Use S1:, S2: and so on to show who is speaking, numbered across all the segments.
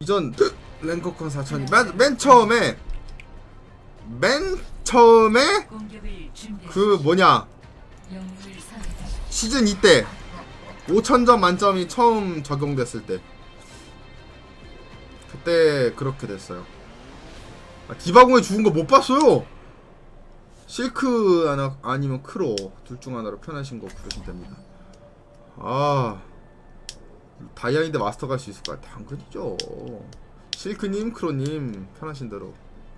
S1: 이전 랭커컨 4000이 맨 처음에 그 뭐냐 시즌 2 때 5000점 만점이 처음 적용됐을 때 그때 그렇게 됐어요. 디바공에 죽은 거 못 봤어요. 실크 하나 아니면 크로 둘 중 하나로 편하신 거 부르시면 됩니다. 아 다이아인드 마스터 갈 수 있을까요? 당근이죠. 실크님, 크로님 편하신 대로.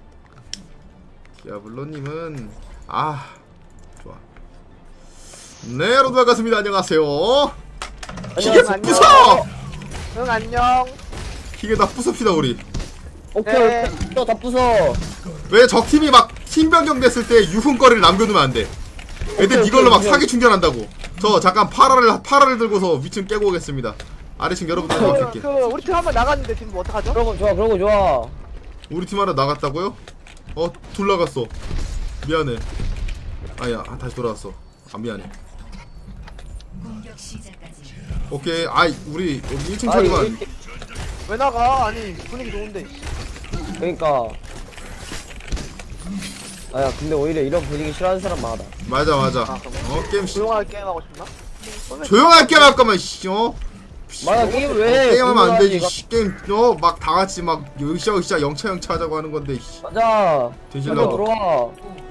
S1: 디아블로님은 아 좋아. 네 여러분 반갑습니다. 안녕하세요. 기계 다 부숴!
S2: 응 안녕.
S1: 기계 다 부숩시다 우리.
S3: 오케이 또 다 부숴.
S1: 왜 적팀이 막 팀 변경 됐을 때 유흥거리를 남겨두면 안 돼. 애들 이걸로 막 사기 충전한다고. 저 잠깐 파라를 들고서 위층 깨고 오겠습니다. 아래층 여러분들 어떻게?
S2: 우리 팀 한번 나갔는데 지금 뭐 어떡하죠?
S3: 그런 거 좋아 그런 거 좋아.
S1: 우리 팀 하나 나갔다고요? 둘 나갔어. 미안해. 아야 다시 돌아왔어. 아 미안해. 오케이. 아이 우리 1층 처리만.
S2: 왜 나가? 아니 분위기 좋은데.
S3: 그러니까. 아야 근데 오히려 이런 분위기 싫어하는 사람 많아.
S1: 맞아. 게임
S2: 조용하게 게임하고 싶나?
S1: 조용하게 게임할 거면
S3: 맞아 게임 왜 해?
S1: 게임하면 안 되지. 게임 막 다 같이 막 으쌰으쌰 영차 하자고 하는 건데.
S3: 맞아.
S1: 뒤질라고.
S3: 들어와.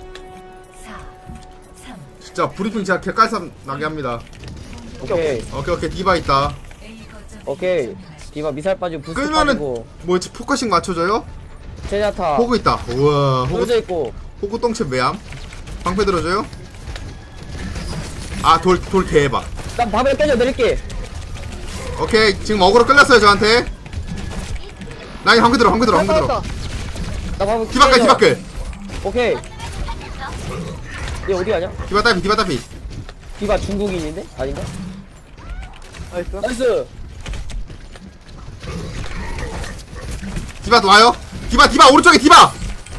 S1: 진짜 브리핑 제가 개깔쌈 나게 합니다.
S3: 오케이
S1: 디바 있다.
S3: 오케이. 디바 미사일 빠지고 부스트
S1: 끌면은
S3: 빠지고.
S1: 뭐지 포커싱 맞춰줘요?
S3: 제냐타.
S1: 호그 있다. 우와
S3: 호그 있고.
S1: 호구 똥채 매암. 방패 들어줘요? 돌 개해봐.
S3: 난 밥을 깨져 내릴게.
S1: 오케이 지금 어그로 끌렸어요 저한테. 나이 방패 들어.
S3: 나 밥을
S1: 디바끌.
S3: 오케이. 얘 어디 가냐?
S1: 디바 따피.
S3: 디바 중국인인데? 아닌가?
S2: 나이스.
S3: 나이스.
S1: 디바 와요. 디바 오른쪽에 디바.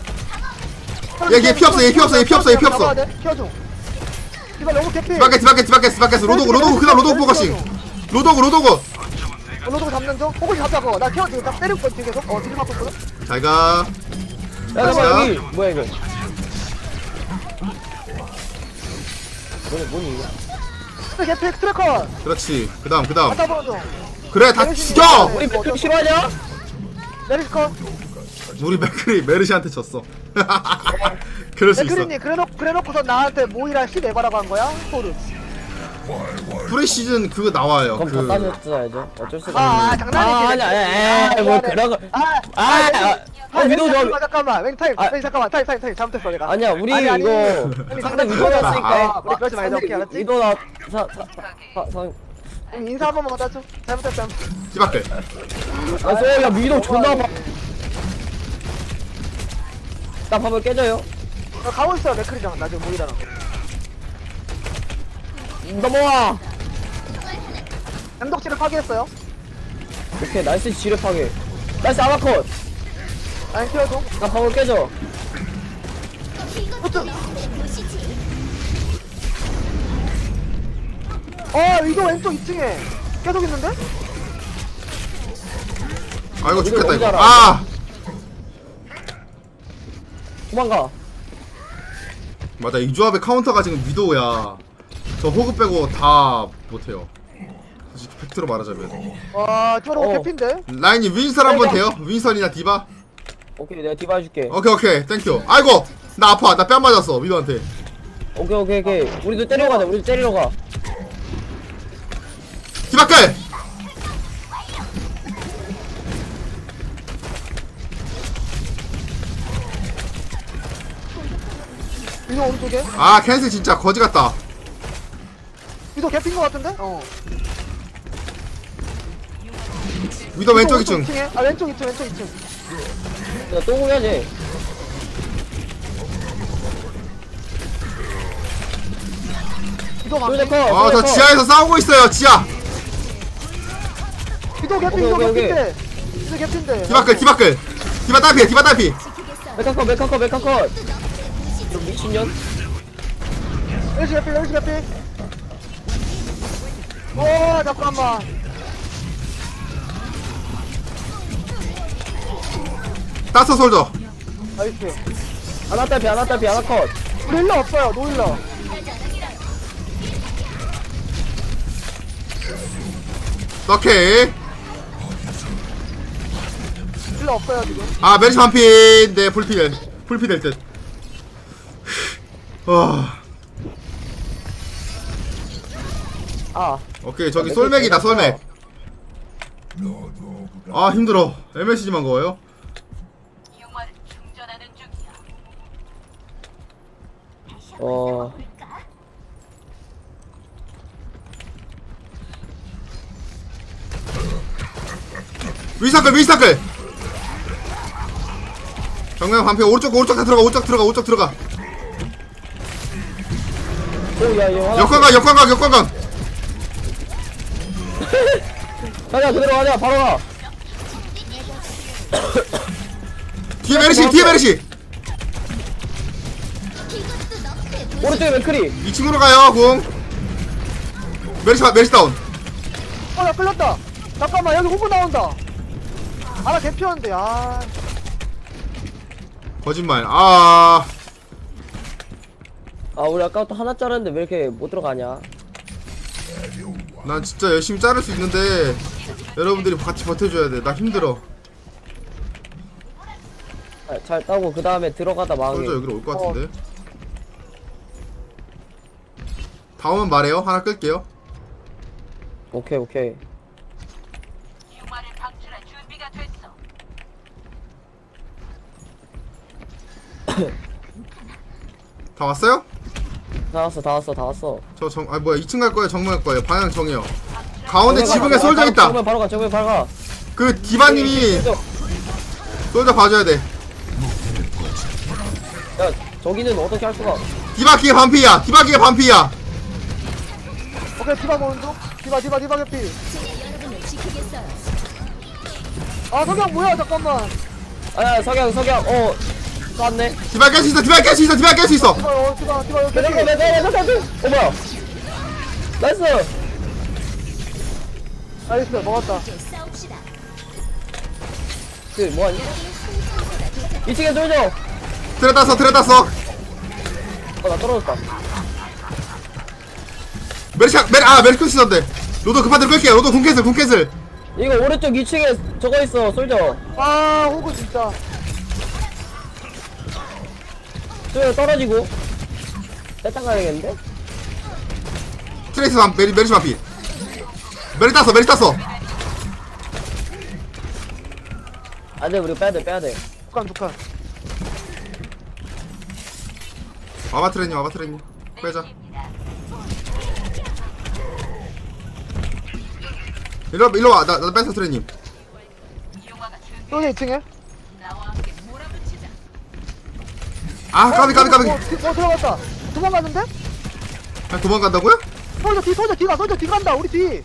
S1: 얘 피 없어.
S2: 키워줘. 디바 너무 개피.
S1: 디바켓. 로도그 그다음 로도그 포커싱. 로도그.
S2: 로도그 잡는 중. 호구씨 잡자고. 나 키워줘. 나 때릴 거 뒤에서. 뒤를 맞고 있거든.
S1: 잘가.
S3: 야 잠깐만 여기 뭐야 이거. 뭐니 이거?
S2: 개피 트래커.
S1: 그렇지. 그다음.
S2: 잡아보는 중.
S1: 그래 다 죽여.
S3: 우리 맥주 싫어하냐?
S2: 메리스커.
S1: 우리 메르시한테 졌어. 그럴 수 있어.
S2: 맥크리님 그래놓고서 나한테 모이라 10에바라고 한 거야? 소름.
S1: 프리시즌 그거 나와요.
S3: 그럼 다 따졌어야죠. 어쩔 수가 없네.
S2: 장난이지.
S3: 아니야. 뭐 그런 거. 위도 저.
S2: 잠깐만. 잠깐만. 타임. 잘못했어 내가.
S3: 아니야 우리
S2: 아니.
S3: 이거 상대 위도였으니까.
S2: 우리 그러지 말자. 오케이 알았지?
S3: 위도나
S2: 인사 한 번만 받아줘. 잘못했어.
S1: 디바끌.
S3: 야 위도 존나 아파. 나 밥을 깨져요.
S2: 가고 있어 맥크리랑 나 지금 모이라랑.
S3: 넘어와.
S2: 양덕지를 파괴했어요.
S3: 오케이 나이스 지뢰파괴. 나이스 아마컷.
S2: 아니 키워줘.
S3: 나 밥을 깨져.
S2: 호트. 이거 왼쪽 2층에 계속 있는데?
S1: 아이고 죽겠다 이거.
S3: 알아. 도망가.
S1: 맞아 이 조합의 카운터가 지금 위도우야. 저 호그 빼고 다 못해요. 솔직히 팩트로 말하자면.
S2: 저러고 개피인데?
S1: 라인이 윈선 한번 돼요? 윈선이나 디바?
S3: 오케이 내가 디바 해줄게.
S1: 오케이 땡큐. 아이고 나 아파. 나 뺨 맞았어 위도한테.
S3: 오케이 우리도 때려가자. 우리도 때리러 가.
S1: 디바끌!
S2: 위도 오른쪽에?
S1: 캔슬 진짜 거지 같다.
S2: 위도 개피인 거 같은데?
S1: 위도 왼쪽 2층.
S2: 왼쪽 2층.
S3: 야 또 공해야지.
S2: 위도 막.
S1: 저 지하에서 싸우고 있어요. 지하.
S2: 위도 개피. 위도 개피인데. 위도 개피인데.
S1: 디바끌. 디바 딸피.
S3: 메카컷. 좀 미친년.
S2: 멜시 개피. 잠깐만.
S1: 따서 솔져.
S2: 나이스.
S3: 하나 딸피 하나 딸피 하나 컷.
S2: 우리 힐러 없어요. 노 힐러.
S1: 오케이.
S2: 힐러 없어요 지금.
S1: 아 메리시 반피인데 풀피 될 듯. 와.
S3: 아
S1: 오케이 저기 솔맥이다 솔맥. 아 힘들어. MSG만 거예요? 위스타클 정면 반피 오른쪽 다 들어가 오른쪽 들어가
S3: 오야 이거
S1: 역광각
S3: 가자 그대로 가자 바로 가.
S1: 뒤에 메리시
S3: 오른쪽에 맥크리.
S1: 2층으로 가요 궁 메리시 다운
S2: 나 끌렸다. 잠깐만 여기 호구 나온다. 아나 개피었는데 아.
S1: 거짓말 아
S3: 우리 아까부터 하나 자르는데 왜 이렇게 못 들어가냐.
S1: 난 진짜 열심히 자를 수 있는데 여러분들이 같이 버텨줘야 돼. 나 힘들어.
S3: 잘 따고 그 다음에 들어가다 망해.
S1: 솔저 여기로 올 것 같은데. 다 오면 말해요. 하나 끌게요.
S3: 오케이
S1: 다 왔어요?
S3: 다 왔어.
S1: 아 뭐야 2층 갈 거예요? 정면 갈 거예요? 방향 정해요. 가운데 지붕에 솔저 있다.
S3: 정면 바로 가.
S1: 그 디바님이 솔저 봐줘야 돼.
S3: 야 저기는 어떻게 할 수가.
S1: 디바키가 반피야.
S2: 오케이 디바 보는 중. 디바 개피. 아 석양 뭐야 잠깐만.
S3: 아 석양 쐈네.
S1: 디바 깰 수 있어.
S2: 디바 여기
S3: 내가 뭐야 나이스.
S2: 나이스 먹었다.
S3: 그 뭐하니 2층에 쏠져.
S1: 트레 땄어.
S3: 나 떨어졌다.
S1: 메리시 있었는데. 로도 급한 대로 끌게요. 로도 궁캐슬.
S3: 이거 오른쪽 2층에 저거 있어 쏠져.
S2: 아 호구 진짜.
S3: 쏠져 떨어지고 빼딱 가야겠는데.
S1: 트레이스 메리시 반피. 메리 땄어.
S3: 안돼 우리 빼야돼.
S2: 북한.
S1: 와봐 트레님. 빼자. 일로 와. 나 뺐어 트레님.
S2: 여기 2층에.
S1: 아 까비.
S2: 들어갔다. 도망갔는데?
S1: 아, 도망간다고요?
S2: 솔저 뒤 간다. 우리 뒤.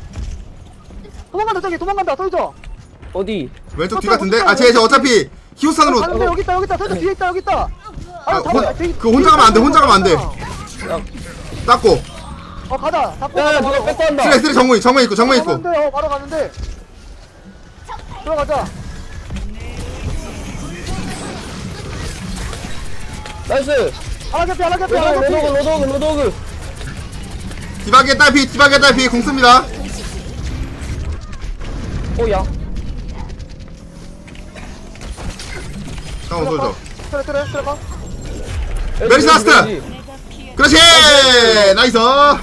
S2: 도망간다 솔저.
S3: 어디
S1: 왼쪽 뒤 같은데? 아 쟤 어차피 히오산으로
S2: 가는데 여기 있다. 솔저 뒤에 있다.
S1: 그 혼자 가면 안 돼. 닦고
S2: 가자. 잡고
S3: 야야
S2: 가자,
S3: 누가
S2: 바로.
S3: 뺏고 한다.
S1: 트레 정문 있고
S2: 가는데, 바로 가는데. 들어가자.
S3: 나이스.
S2: 하나 개피.
S3: 로도그
S1: 디바게 딸피 공 씁니다.
S3: 오야
S1: 다운 솔져.
S2: 트레 가.
S1: 메리시 라스트! 그렇지 나이스.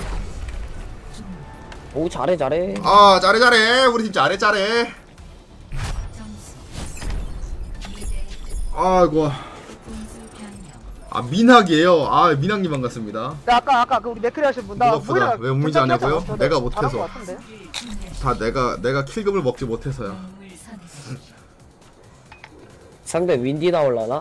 S3: 오 잘해
S1: 아 잘해 우리 팀 잘해. 아이고 민학이에요. 민학님 반갑습니다.
S2: 아까 그 우리 네크리 하신 분.
S1: 무겁다. 왜 문제 안 하고요?
S2: 괜찮지 않았어?
S1: 내가
S2: 잘한
S1: 못해서.
S2: 것 같은데?
S1: 다 내가 킬금을 먹지 못해서야.
S3: 상대 윈디 나올라나?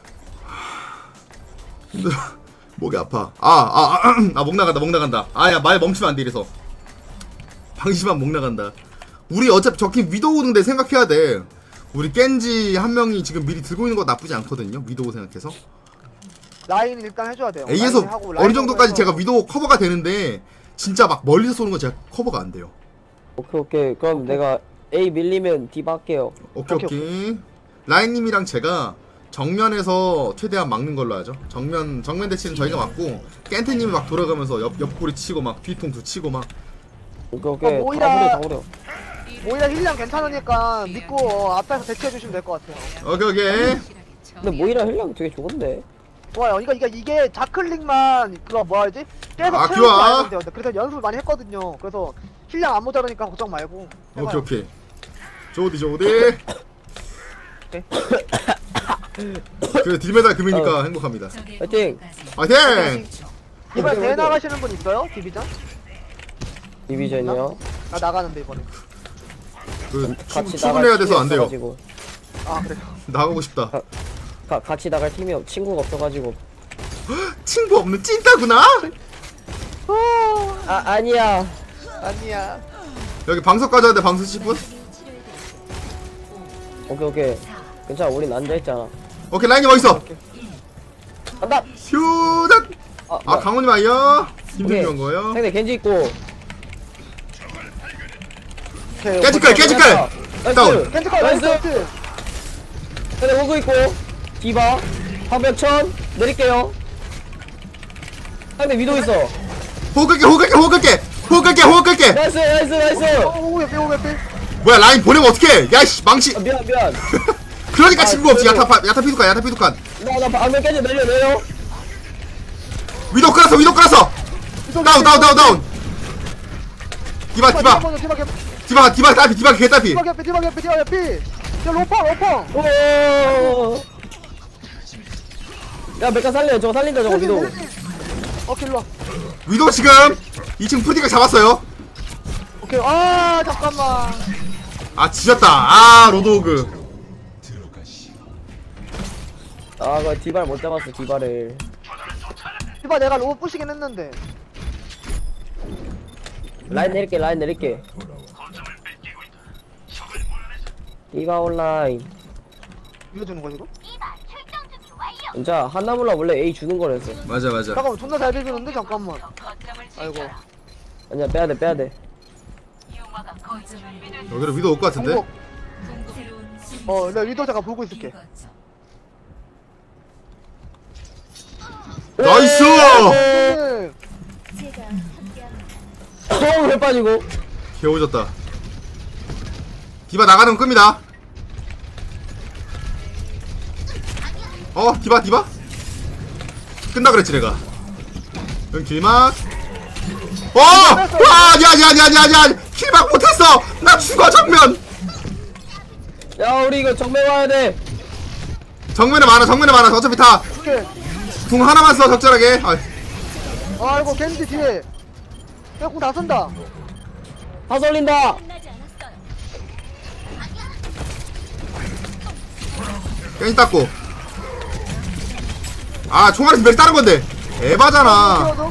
S1: 목이 아파. 목 나간다. 야 말 멈추면 안 돼 이래서. 방심한 목 나간다. 우리 어차피 적힌 위도우 등대 생각해야 돼. 우리 겐지 한 명이 지금 미리 들고 있는 거 나쁘지 않거든요. 위도우 생각해서.
S2: 라인 일단 해줘야 돼요.
S1: A에서
S2: 라인 하고
S1: 어느 정도까지
S2: 해서.
S1: 제가 위도우 커버가 되는데 진짜 막 멀리서 쏘는 건 제가 커버가 안 돼요.
S3: 오케이 그럼 내가 A 밀리면 디바 할게요.
S1: 오케이. 라인님이랑 제가 정면에서 최대한 막는 걸로 하죠. 정면 대치는 저희가 막고 깬트님이 막 돌아가면서 옆구리 치고 막 뒤통수 치고 막.
S3: 오케이
S2: 모이라.
S3: 다 버려.
S2: 오히려 힐량 괜찮으니까 믿고 앞에서 대치해주시면 될 것 같아요.
S1: 오케이.
S3: 근데 모이라 힐량 되게 좋은데.
S2: 좋아요. 이게 좌클릭만 그거 뭐라 하지? 계속
S1: 아,
S2: 채우고
S1: 좋아.
S2: 가야 돼요. 그래서 연습을 많이 했거든요. 그래서 힐량 안 모자라니까 걱정 말고. 해봐요.
S1: 오케이. 조디. 그 딜메달 금이니까 행복합니다.
S3: 파이팅.
S1: 파이팅!
S2: 이번에 대회 나가시는 분 있어요? 디비전?
S3: 디비전이요.
S2: 나 나가는데 이번에.
S1: 그
S3: 같이
S1: 출근해야 돼서 안 돼요.
S3: 없어가지고.
S2: 아 그래요?
S1: 나가고 싶다.
S3: 같이 나갈 팀이 친구가 없어가지고.
S1: 친구 없는 찐따구나?
S3: 아니야.
S2: 아니야.
S1: 여기 방석 가져야 돼. 방석 10분?
S3: 오케이. 괜찮아, 우린 앉아있잖아.
S1: 오케이, 라인님 어딨어?
S3: 간다!
S1: 휴닥! 아, 강호님 아이요? 힘들게 온 거예요?
S3: 상대 겐지 있고.
S1: 깨질걸! 다운!
S2: 캔트컬
S3: 나이스!
S2: 나이스!
S3: 상대 호그 있고. 디바. 화벽천. 내릴게요. 상대 위도 있어.
S1: 호흡 끌게!
S3: 나이스!
S2: 오게피
S1: 뭐야, 라인 보내면 어떡해! 야이씨, 망치!
S3: 미안.
S1: 그러니까
S3: 아,
S1: 친구 없지.
S3: 그래요.
S1: 야타 피두칸.
S3: 나 방금 깨져 내려.
S1: 위도 끌었어! 다운! 디바 개딸피.
S2: 야 로펑!
S3: 오. 야, 메카 살려. 저거 살린다, 저거 위도.
S2: 오케이 일로와.
S1: 위도 지금 2층 푸디가 잡았어요.
S2: 오케이 아 잠깐만.
S1: 아, 지졌다. 아, 로드호그.
S3: 그 디바를 못 잡았어, 디바를.
S2: 디바 내가 로봇 부시긴 했는데.
S3: 라인 내릴게. 디바 온라인.
S2: 이거 주는 거야 이거?
S3: 진짜 한나물라 원래 A 주는 거랬어.
S1: 맞아.
S2: 잠깐만 존나 잘 비비는데 잠깐만. 아이고.
S3: 아니야, 빼야돼.
S1: 여기로 위도 올 것 같은데?
S2: 내가 위도 잠깐 보고 있을게.
S1: 나이스!
S2: 네.
S3: 왜 빠지고?
S1: 개오졌다. 디바 나가는 거 끕니다. 디바? 끝나 그랬지 내가. 응, 길막. 아니야. 길막 못했어. 나 죽어, 정면.
S3: 야, 우리 이거 정면 와야 돼.
S1: 정면에 많아. 어차피 다 궁
S2: 오케이.
S1: 하나만 써, 적절하게.
S2: 아이고 겐지 뒤에. 야 공 다 쓴다.
S3: 다 쏠린다.
S1: 깬지 닦고. 아, 총알에서 몇 다른 건데. 에바잖아.
S2: 키워줘.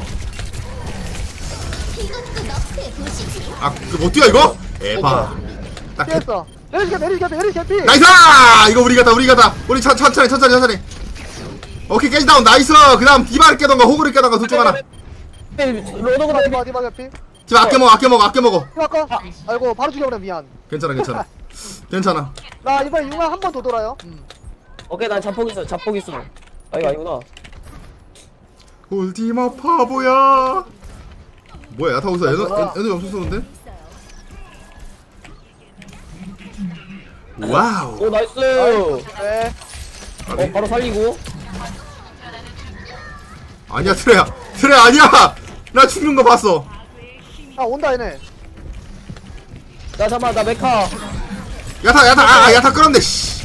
S1: 아, 못 뛰어 이거? 에바. 딱
S2: 피했어. 내리시 개피.
S1: 나이스! 이거 우리 가다. 우리 천천히. 오케이, 깨지 다운. 나이스! 그 다음 디바를 깨던가 호구를 깨던가 둘 중 하나.
S3: 로드가
S2: 디바 개피.
S1: 디바 아껴 먹어.
S2: 디바 거. 아이고 바로 죽여버려 미안.
S1: 괜찮아.
S2: 나 이번에 융화 한 번 더 돌아요.
S3: 오케이, 난 잡폭 있어. 아, 이거 아니구나.
S1: 홀디마 바보야. 뭐야, 야타 어디서 에너지 엄청 쏘는데? 와우.
S3: 오, 나이스.
S2: 네.
S3: 바로 살리고.
S1: 아니야, 트레야 아니야. 나 죽는 거 봤어.
S2: 아 온다 얘네.
S3: 나 잠깐만, 나 메카.
S1: 야타 끌었네. 씨.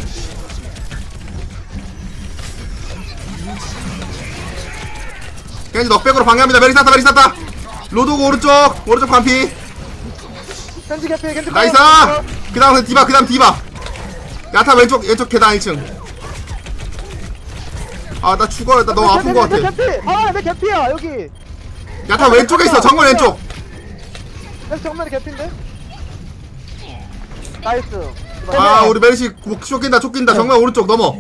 S1: 겐지 넉백으로 방해합니다. 메리 쌌다. 로드고 오른쪽 반피.
S2: 겐지 개피.
S1: 나이스. 그 다음 디바. 야타 왼쪽 계단 1층. 아, 나 죽어요. 나 너무 아픈 거 같아.
S2: 내 개피야 여기.
S1: 야타 왼쪽에 있어. 정면 왼쪽.
S2: 내 정면에 개피인데. 나이스.
S1: 아, 우리 메리시 쫓긴다. 정면 오른쪽 넘어.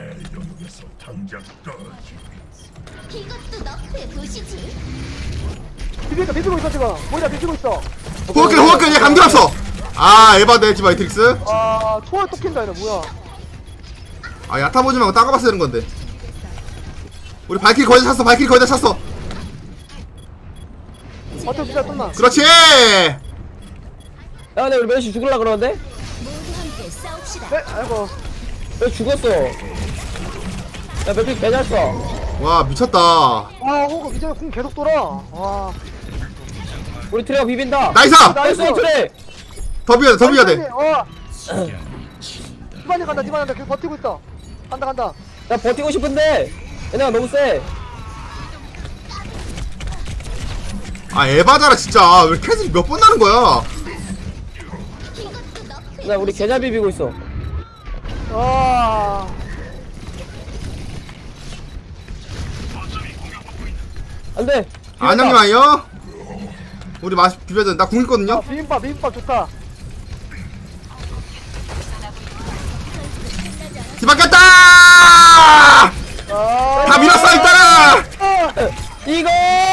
S4: 이것도 너프에 보시지.
S2: 비비고 있어 지금. 모이라 비비고 있어.
S1: 호흡길 얘 감기 없어. 아, 에바데 디바 이트릭스.
S2: 아 초월 또 킨다 얘네 뭐야.
S1: 아 야타 보지 말고 따가봤어야 되는 건데. 우리 발키리 거의 다 찼어. 발키리 거의 다 찼어.
S2: 어쩜 진짜 끝나.
S1: 그렇지.
S3: 야 근데 우리 멜시 죽을라 그러는데?
S2: 네, 아이고.
S3: 왜 죽었어? 야 멜시 개잘 써.
S1: 와 미쳤다.
S2: 아, 호구 이제 궁 계속 돌아. 와.
S3: 우리 트레가 비빈다.
S1: 나이스.
S3: 나이스 트레.
S1: 더 비워야 돼. 더 비워야 돼.
S2: 디바니 간다, 디바니 간다. 계속 버티고 있어. 간다, 간다.
S3: 나 버티고 싶은데 얘네가 너무 세.
S1: 아 에바잖아 진짜. 왜 캐슬이 몇 번 나는 거야?
S3: 나 우리 개잘 비비고 있어.
S2: 와.
S3: 안돼.
S1: 안녕님 아니요? 우리 맛 비벼야 돼. 나 궁 있거든요.
S2: 비빔밥 좋다.
S1: 뒤바뀌었다.
S2: 아.
S1: 다 밀었어 일단은.
S3: 이거.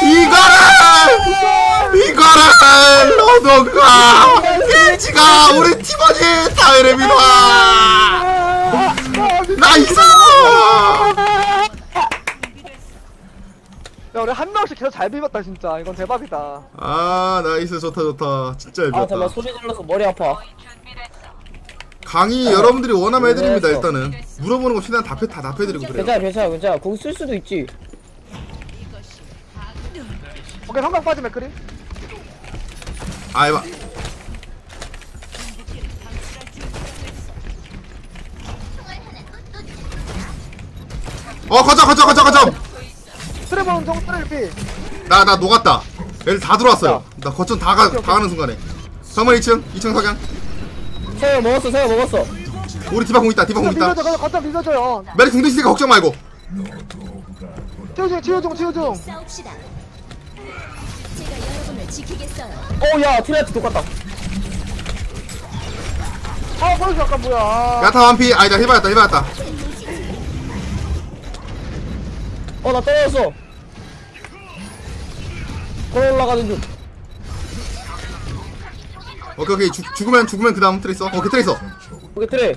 S1: 이거를 너도가 겐지가 우리 팀원이 다이를 밀어. 나이스.
S2: 야, 우리 한 명씩 계속 잘 비볐다 진짜. 이건 대박이다.
S1: 아 나이스 좋다 진짜
S3: 아 잠깐
S1: 예뻤다.
S3: 소리 질러서 머리 아파.
S1: 강의 여러분들이 원하면 해드립니다.
S3: 그랬어.
S1: 일단은 물어보는 거 최대한 다 답해드리고 그래요.
S3: 괜찮아. 공 쓸 수도 있지.
S2: 오케이, 한방 빠지 맥크리.
S1: 아 에바. 거점.
S2: 트레버는 정 트레 피.
S1: 나 녹았다. 애들 다 들어왔어요. 나 거점 다 가는 순간에. 정말 2층 석양.
S3: 새우 먹었어.
S1: 우리 디바 공 있다.
S2: 밀어줘, 거점 밀어줘요.
S1: 메리 궁도 있으니까 걱정 말고.
S2: 치유중.
S4: 싸웁시다. 제가 여러분을 지키겠어요.
S3: 오야 트레한테 똑같다.
S2: 아, 벌써 잠깐 뭐야.
S1: 야타 완피. 아니다 해봤다.
S3: 나 떨어졌어. 걸어 올라가는 중.
S1: 오케이 죽으면 그 다음 트레이서. 오케이 트레이서.
S3: 오케이 트레.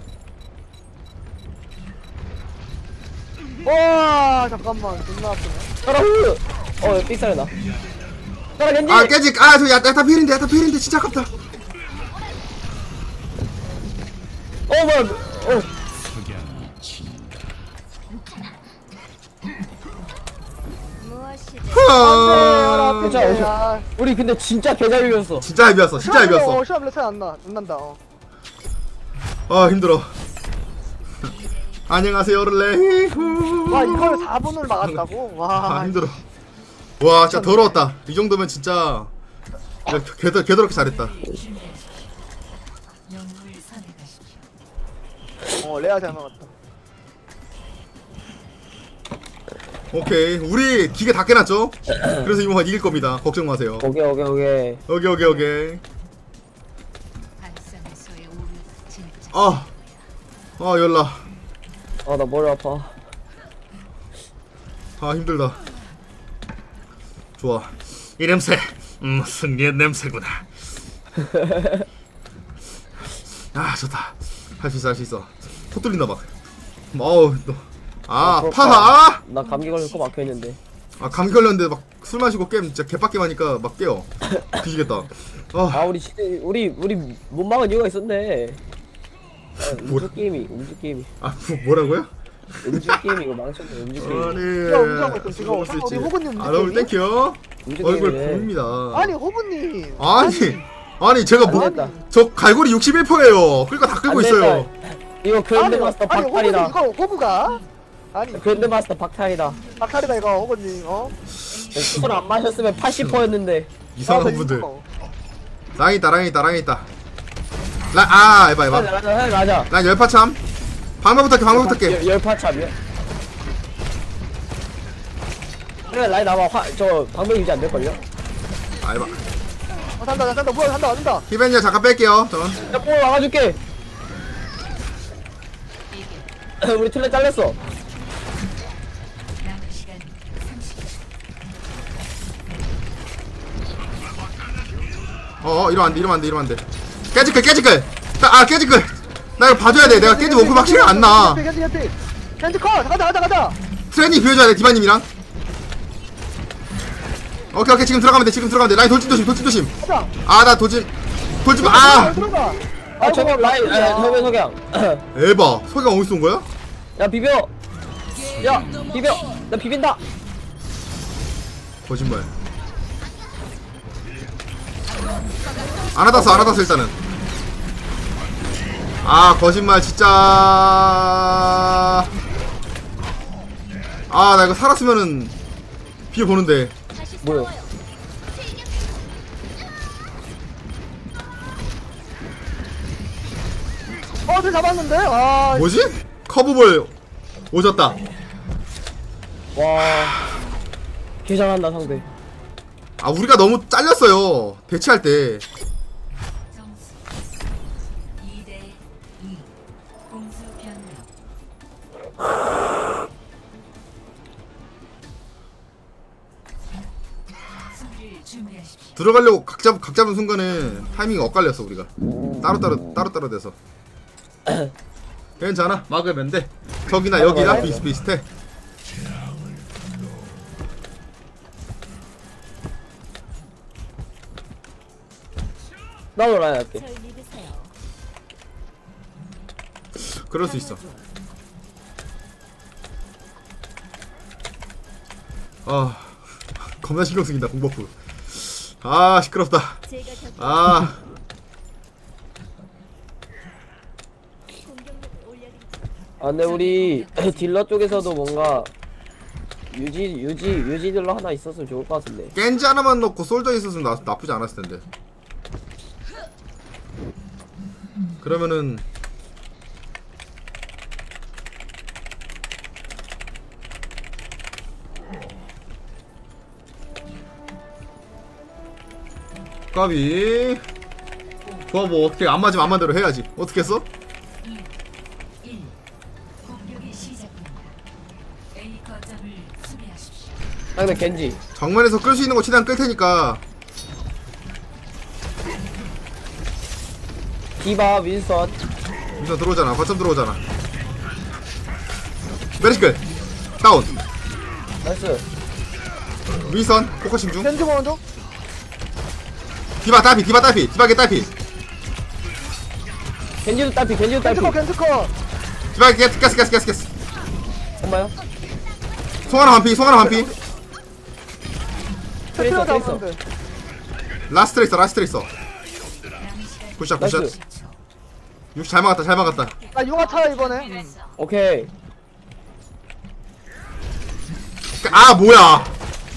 S2: 와, 잠깐만. 존나 아프네.
S3: 따라 후. 삑사리다. 따라 겐지.
S1: 아 깨직. 저 야타 필인데 진짜 아깝다.
S3: 뭐야. 괜찮아. 우리 근데 진짜 개잘 비웠어.
S1: 진짜 헤비였어.
S2: 시험 차이 안 난다.
S1: 아 힘들어. 안녕하세요 르레.
S2: 와, 이걸 4분을 막았다고? 와.
S1: 아 힘들어. 와 진짜 더러웠다. 이 정도면 진짜 개더럽게 잘했다.
S2: 레아 잘 막았다.
S1: 오케이 우리 기계 다 깨놨죠? 그래서 이번 이길 겁니다. 걱정 마세요.
S3: 오케이.
S1: 오케이. 열나.
S3: 나 머리 아파.
S1: 힘들다. 좋아. 이 냄새 승리의 냄새구나. 좋다. 할 수 있어. 코 뚫린다 막. 파하.
S3: 나 감기 걸릴 거 막혀있는데.
S1: 감기 걸렸는데 막 술 마시고 게임 진짜 개빡게 하니까 막 깨요. 뒤지겠다.
S3: 우리 못 막은 이유가 있었네.
S1: 뭐라?
S3: 음주 게임이.
S1: 뭐라고요?
S3: 음주 게임이 이거 망쳤네. 음주 게임.
S2: 야, 음주하고 있어, 지금.
S1: 먹을 수 있지.
S2: 우리 호구님
S1: 너무 땡큐.
S3: 음주
S1: 얼굴
S3: 게임이네.
S1: 보입니다.
S2: 아니, 호구님.
S1: 아니 제가
S3: 안 됐다.
S1: 저 갈고리 61%예요. 그러니까 다 끌고
S3: 안
S1: 있어요.
S3: 됐다. 이거 그랜드마스터
S2: 호구님,
S3: 박탈이다.
S2: 이거 호구가? 아니,
S3: 그랜드마스터 박탈이다.
S2: 박탈이다, 이거, 호구님.
S3: 술 안 마셨으면 80%였는데.
S1: 이상한 분들. 랑이 있다. 에바.
S3: 맞아.
S1: 난 열파참. 방금 부탁해.
S3: 열파참이야. 그래 라인 나와. 저 방금 유지 안 될걸요?
S1: 에바.
S2: 산다. 뭐야, 산다.
S1: 히벤이야 잠깐 뺄게요. 전.
S3: 야, 볼 막아줄게. 우리 틀레 잘렸어.
S1: 이러면 안 돼. 깨지끌. 깨지끌. 나 이거 봐줘야 돼. 내가 깨지 원금 확실히 안 나.
S2: 겐지 컷! 가자!
S1: 트레니 비워줘야 돼 디바님이랑. 오케이 지금 들어가면 돼. 라인 돌진 조심.
S2: 가자!
S1: 아 나 돌진 아
S2: 들어가!
S3: 아 저거 라인 저거 석양.
S1: 에바 석양 어디서 온 거야?
S3: 야 비벼. 야 비벼. 나 비빈다.
S1: 거짓말. 안 하다스 일단은. 아 거짓말 진짜. 아 나 이거 살았으면은 비벼보는데.
S3: 뭐야?
S2: 쟤 잡았는데? 아,
S1: 뭐지? 커브볼 오졌다.
S3: 와. 개 잘한다 상대.
S1: 아 우리가 너무 잘렸어요 대치할 때.
S5: 점수 2대2 공수 변경. 수비를 준비하십시오.
S1: 들어가려고 각 잡은 순간에 타이밍이 엇갈렸어 우리가. 따로 돼서. 괜찮아 막으면 돼. 저기나 여기나 비슷비슷해.
S3: 나도 라인 할게.
S4: 절 믿으세요.
S1: 그럴 수 있어. 아 겁나 신경 쓰인다 공버프. 아 시끄럽다.
S4: 제가 곁에
S1: 아
S4: 공격력을 올려드리죠.
S3: 아 근데 우리 딜러 쪽에서도 뭔가 유지 딜러 하나 있었으면 좋을 것 같은데.
S1: 겐지 하나만 넣고 솔저 있었으면 나쁘지 않았을 텐데. 그러면은 까비. 좋아 뭐 어떻게 안 맞으면 안 맞대로 해야지. 어떻게 했어?
S5: 1. 공격이 시작됩니다. A 거점을 수비하십시오.
S3: 상대 겐지.
S1: 정면에서 끌 수 있는 거 최대한 끌 테니까.
S3: 디바 윈선.
S1: 우선 들어오잖아. 거점 들어오잖아. 메리시클 다운.
S3: 나이스.
S1: 윈선 포커싱 중.
S2: 겐지 먼저?
S1: 디바 딸피 디바게 딸피.
S3: 겐지도 딸피.
S2: 겐지 컷!
S1: 디바게 깨스.
S3: 엄마요?
S1: 송하나 반피.
S3: 트레이서.
S2: 잡았는데.
S1: 라스트 있어. 굿샷.
S3: 나이스.
S1: 역시 잘 막았다.
S2: 나 융화 차 이번에.
S3: 오케이.
S1: 아 뭐야?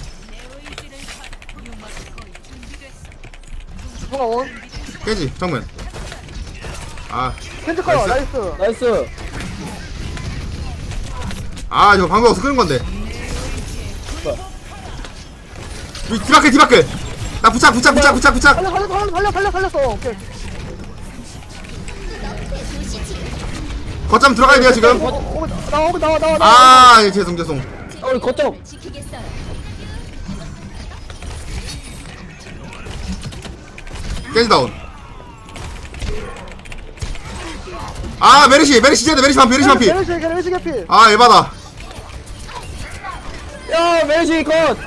S2: 융화 원.
S1: 깨지 정면. 아
S2: 겐지 컷!
S1: 나이스.
S2: 나이스!
S3: 나이스.
S1: 아 이거 방금 없어 끄는 건데.
S3: 뭐야?
S1: 디바클. 나 부착.
S2: 살렸어! 오케이.
S1: 거점 들어가야 돼요 지금.
S2: 나와.
S1: 아 죄송.
S3: 우리 거점.
S4: 지키겠어요.
S1: 깨지 다운. 아 메리시 반피.
S2: 메르시 개피.
S1: 아 에바다.
S3: 야 메르시 컷.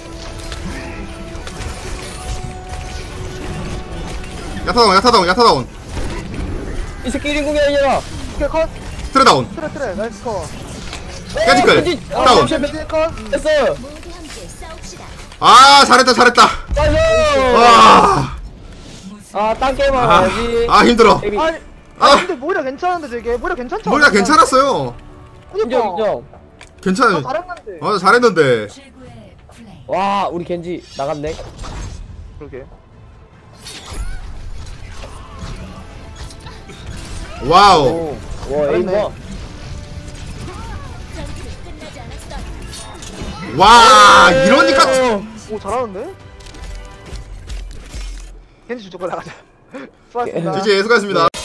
S1: 야타다운.
S3: 이 새끼 1인공이 아니라.
S2: 오케이 컷.
S1: 트레 다운.
S2: 트레. 나이스 컷.
S1: 깨지클 다운.
S2: 겐지 컷.
S3: 됐어.
S4: 모두 함께 싸웁시다.
S1: 아 잘했다.
S3: 나이스.
S1: 와.
S3: 딴 게임 하지.
S1: 아 힘들어.
S3: 데뷔.
S2: 아니,
S1: 아.
S2: 근데 모이라 괜찮은데 되게 모이라 괜찮죠?
S1: 머리가 괜찮았어요.
S3: 인정.
S1: 괜찮아.
S2: 잘했는데.
S1: 잘했는데.
S5: 최고의 플레이.
S3: 와 우리 겐지 나갔네.
S2: 그러게.
S1: 와우.
S3: 와 에임 봐.
S4: 전투 끝나지 않았어.
S1: 와 이러니까.
S2: 오 잘하는데? 겐지 저쪽 나가자. 수고하셨습니다.
S1: GG 수고하셨습니다.